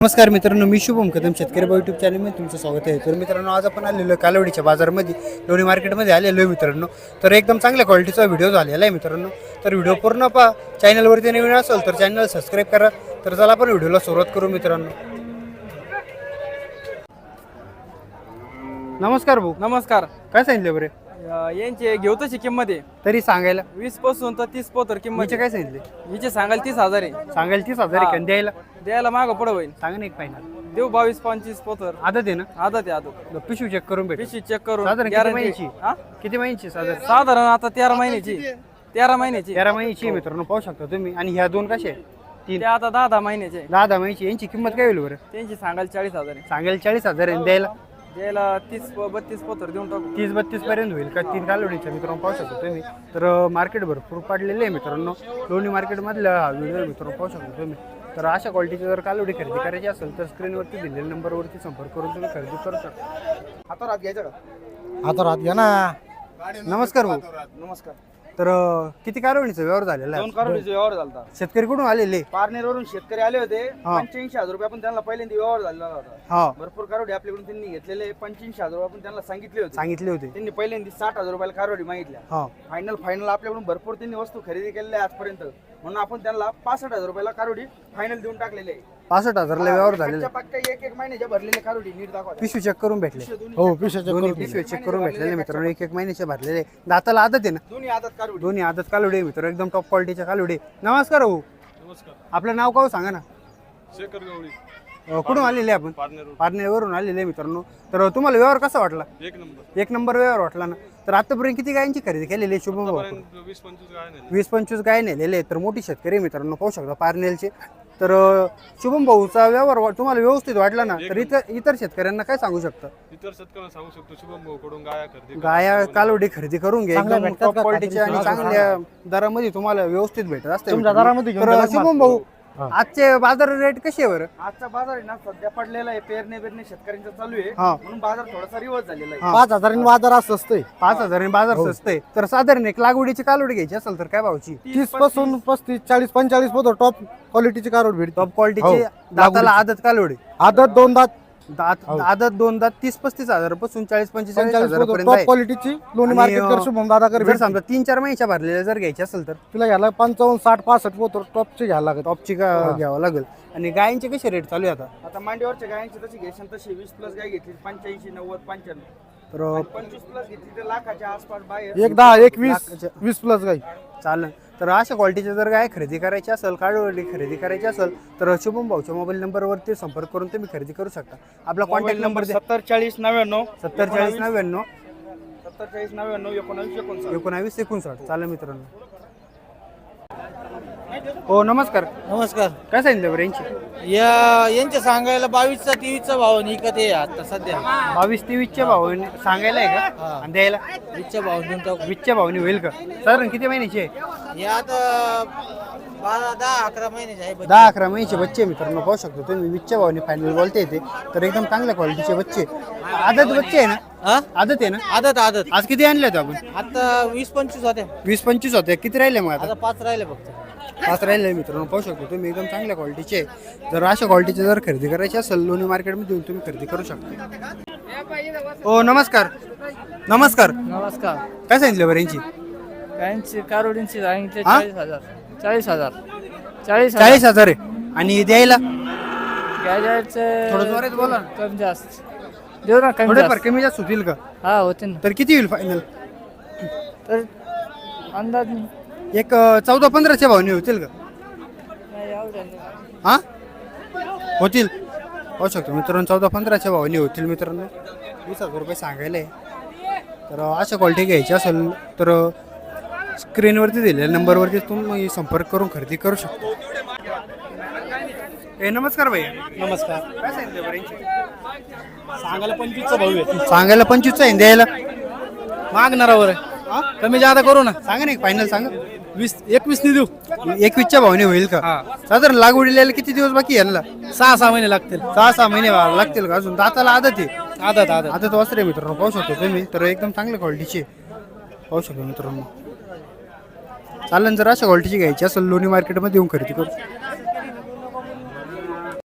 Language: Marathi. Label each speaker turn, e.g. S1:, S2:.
S1: नमस्कार मित्रांनो, मी शुभम कदम शेतकरी यूट्यूब चॅनलमध्ये तुमचं स्वागत आहे. तर मित्रांनो, आज आपण आलेलो कालवडीच्या बाजारामध्ये लोणी मार्केटमध्ये आलेलो आहे मित्रांनो. तर एकदम चांगल्या क्वालिटीचा व्हिडिओ झालेला आहे मित्रांनो. तर व्हिडिओ पूर्ण पहा. चॅनलवरती नवीन असेल तर चॅनल सबस्क्राईब करा. तर चला आपण व्हिडिओला सुरुवात करू मित्रांनो. नमस्कार भाऊ.
S2: नमस्कार.
S1: काय सांगितलं बरे?
S2: यांचे घेऊ तशी किंमत आहे
S1: तरी सांगायला
S2: 20 पासून तर 30 पोतर किंमत
S1: काय सांगितले?
S2: हिचे सांगायला 30,000 आहे.
S1: सांगायला 30,000 आहे. द्यायला
S2: द्यायला मागं पुढं होईल.
S1: सांगा ना एक फायनल
S2: देऊ 22-25 पोतर.
S1: आदत आहे ना?
S2: आदत आहे आदत.
S1: पिशवी चेक करून भेट.
S2: पिशवी चेक करून
S1: साधारण किती
S2: guarantee.
S1: महिन्याची?
S2: हा?
S1: किती महिन्याची साधारण?
S2: साधारण आता 13 महिन्याची. 13 महिन्याची.
S1: 13 महिन्याची मित्रांनो, पाहू शकता तुम्ही. आणि ह्या दोन कशा आहे?
S2: ते आता 10 महिन्याचे.
S1: 10 महिन्याची. यांची किंमत काय होईल बरं?
S2: त्यांची सांगायला 40,000 आहे.
S1: सांगायला 40,000 आहे. द्यायला
S2: द्यायला 30-32 पोतर देऊन टाकू.
S1: 30-32 पर्यंत होईल का? 3 कालवडीच्या मित्रांनो पाहू शकतो तुम्ही. तर मार्केट भरपूर पाडलेले आहे मित्रांनो. लोणी मार्केटमधला हा व्हिडिओ मित्रांनो पाहू शकतो तुम्ही. तर अशा क्वालिटीची जर कालवडी खरेदी करायची असेल तर स्क्रीनवरती दिलेल्या नंबरवरती संपर्क करून तुम्ही खरेदी करू शकता.
S2: हातात घ्यायचं का?
S1: हातात घ्या ना. नमस्कार भाऊ.
S2: नमस्कार.
S1: तर किती कालवडीचा व्यवहार झालेला आहे?
S2: 2 करोडीचा व्यवहार झाला.
S1: शेतकरी कुठून आलेले?
S2: पारनेरवरून शेतकरी आले होते. 85,000 रुपये आपण त्यांना पहिल्यांदा व्यवहार झालेला होता.
S1: हा,
S2: भरपूर कारोडी आपल्याकडून त्यांनी घेतलेले. 85,000 रुपये आपण त्यांना सांगितले होते. त्यांनी पहिल्यांदा 60,000 रुपयाला कारोडी मागितल्या.
S1: हा,
S2: फायनल आपल्याकडून भरपूर त्यांनी वस्तू खरेदी केलेल्या आहे आजपर्यंत. म्हणून आपण त्यांना 65,000 रुपयाला कारोडी फायनल देऊन टाकलेले आहे.
S1: 65,000ला व्यवहार झालेला.
S2: पक्का एक महिन्याच्या भरलेले कारोडी नीट दाखवा.
S1: पिशवी चेक करून भेटले.
S3: हो, पिशवी
S1: चेक करून भेटलेले मित्रांनो. एक महिन्याचे भरलेले. दाताला आदत आहे ना?
S2: दोन्ही आदत कारोडी.
S1: दोन्ही आदत कालवडे मित्र, एकदम टॉप क्वालिटीच्या कालवडे. नमस्कार भाऊ.
S3: नमस्कार.
S1: आपलं नाव काय सांगा ना?
S3: शेखर गवळी,
S1: कुठून आलेले आपण? पारनेरवरून आलेले मित्रांनो. तर तुम्हाला व्यवहार कसा वाटला? एक नंबर व्यवहार वाटला ना. तर आतापर्यंत किती गायांची खरेदी केलेली आहे शुभम भाऊ? 20-25 गाय नेलेले. तर मोठी शेतकरी मित्रांनो पाहू शकता पारनेरचे. तर शुभम भाऊचा व्यवहार तुम्हाला व्यवस्थित वाटला ना? तर इतर शेतकऱ्यांना काय सांगू शकता?
S3: इतर शेतकऱ्यांना सांगू शकतो शुभम भाऊ कडून
S1: गाया कालवडी खरेदी करून घ्या. एकदम टॉप क्वालिटीच्या आणि चांगल्या दरामध्ये तुम्हाला व्यवस्थित भेटत असते. तर शुभम भाऊ, आजचे बाजार रेट कसे आहे बरं?
S2: आजचा बाजार आहे ना सध्या पडलेला आहे. पेरणे चालू आहे.
S1: हा.
S2: म्हणून बाजार थोडासा रिवर्स झालेला आहे.
S3: 5,000 बाजार असतंय.
S1: 5,000 बाजार स्वस्त आहे. तर साधारण एक लागवडीची कालवडी घ्यायची असेल तर काय भावची?
S3: 30 पासून 35, 40, 45 पर्यंत टॉप क्वालिटीची कारोड भेटते.
S1: टॉप क्वालिटीची दाताला आदत कालवडी.
S3: आदत 2 दात,
S1: आदत 2 दात 30-35 हजार पासून 40-45 हजार पर्यंत
S3: टॉप
S1: आहे.
S3: क्वालिटीची लोणी मार्केट कर शुभम दादा कर.
S1: जर समजा 3-4 महिन्याच्या भरलेल्या जर घ्यायची असेल तर
S3: तुला घ्यायला 55, 60, 65 पोतर टॉपची घ्यायला लागत.
S1: टॉपची घ्यावं लागेल. आणि गायींचे कसे रेट चालू आहे आता?
S2: आता मांडीवरच्या गायांची तशी घेशन तशी 20+ गाय घेतली 85, 90, 95.
S1: तर
S2: 25+ घेतली तर लाखाच्या आसपास बाहेर.
S3: 1, 10, 1, 20 प्लस गाई
S1: चालेल. तर अशा क्वालिटीच्या जर गाय खरेदी करायची असेल, काळवडी खरेदी करायची असेल तर शुभम भाऊच्या मोबाईल नंबरवरती संपर्क करून तुम्ही खरेदी करू शकता. आपला कॉन्टॅक्ट नंबर
S2: 704099
S1: 704099
S2: 704099
S1: 1959. चालेल मित्रांनो. हो नमस्कार.
S4: नमस्कार.
S1: काय सांगितलं बरं यांची?
S4: यांचे सांगायला 22चा 23चा भाव निकत आहे आता सध्या.
S1: 22-23च्या भावाने सांगायला आहे का? आणि द्यायला
S4: 20च्या भाव देऊन टाकू.
S1: 20च्या भावाने होईल का? साधारण किती महिन्याची आहे?
S4: हे आता 10-11 महिन्याचे आहे.
S1: 10-11 महिन्याचे बच्चे मित्रांनो पाहू शकतो तुम्ही. 20च्या भावाने फायनल बोलते येते. तर एकदम चांगल्या क्वालिटीचे बच्चे. आदत बच्चे आहे ना?
S4: हा?
S1: आदत आहे ना?
S4: आदत
S1: आज किती आणले होते आपण?
S4: आता 20-25 होत्या.
S1: 20-25 होते. किती राहिले मग आता?
S4: आता 5 राहिले फक्त.
S1: 5 राहिले मित्रांनो पाहू शकतो तुम्ही. एकदम चांगल्या क्वालिटीचे. जर अशा क्वालिटीचे जर खरेदी करायची असेल लोणी मार्केटमध्ये येऊन तुम्ही खरेदी करू शकता. हो नमस्कार. नमस्कार.
S4: नमस्कार.
S1: काय सांगितलं बरं यांची?
S4: गायांची कारोडींची सांगितले
S1: हा?
S4: 40,000. 40,000.
S1: 40,000 आहे. आणि द्यायला
S4: गायचे
S1: थोडं जोरात बोला.
S4: कमी जास्त देऊ ना. कमी
S1: थोडेफार
S4: जास्त.
S1: कमी जास्त होतील का?
S4: हा होते ना.
S1: तर किती होईल फायनल?
S4: तर अंदाज नाही.
S1: एक 14-15च्या भावने होतील का?
S4: नाही एवढं नाही.
S1: हा होतील. पाहू शकतो मित्रांनो 14-15च्या भावाने होतील मित्रांनो. 20,000 रुपये सांगायला आहे. तर अशा क्वालिटी घ्यायची असेल तर स्क्रीनवरती दिलेल्या नंबरवरती तुम्ही संपर्क करून खरेदी करू शकता. नमस्कार भैया.
S2: नमस्कार.
S1: काय सांगितलं बरं यांची?
S2: सांगायला 25चा भाव आहे.
S1: सांगायला 25 आहे. द्यायला
S2: मागणारावर आहे. कमी जादा करू ना.
S1: सांगा ना एक फायनल सांगा.
S2: 21 देऊ.
S1: 21च्या भावाने होईल का? साधारण लागवडीला किती दिवस बाकी यांना?
S2: 6-6 महिने लागतील.
S1: 6-6 महिने लागतील का? अजून दाताला आदत आहे.
S2: आदत
S1: आदत वासरे मित्रांनो पाहू शकतो तुम्ही. तर एकदम चांगल्या क्वालिटीचे पाहू शकतो मित्रांनो. चालेल. जर अशा क्वालिटीची घ्यायची असेल लोणी मार्केटमध्ये येऊन खरेदी करू.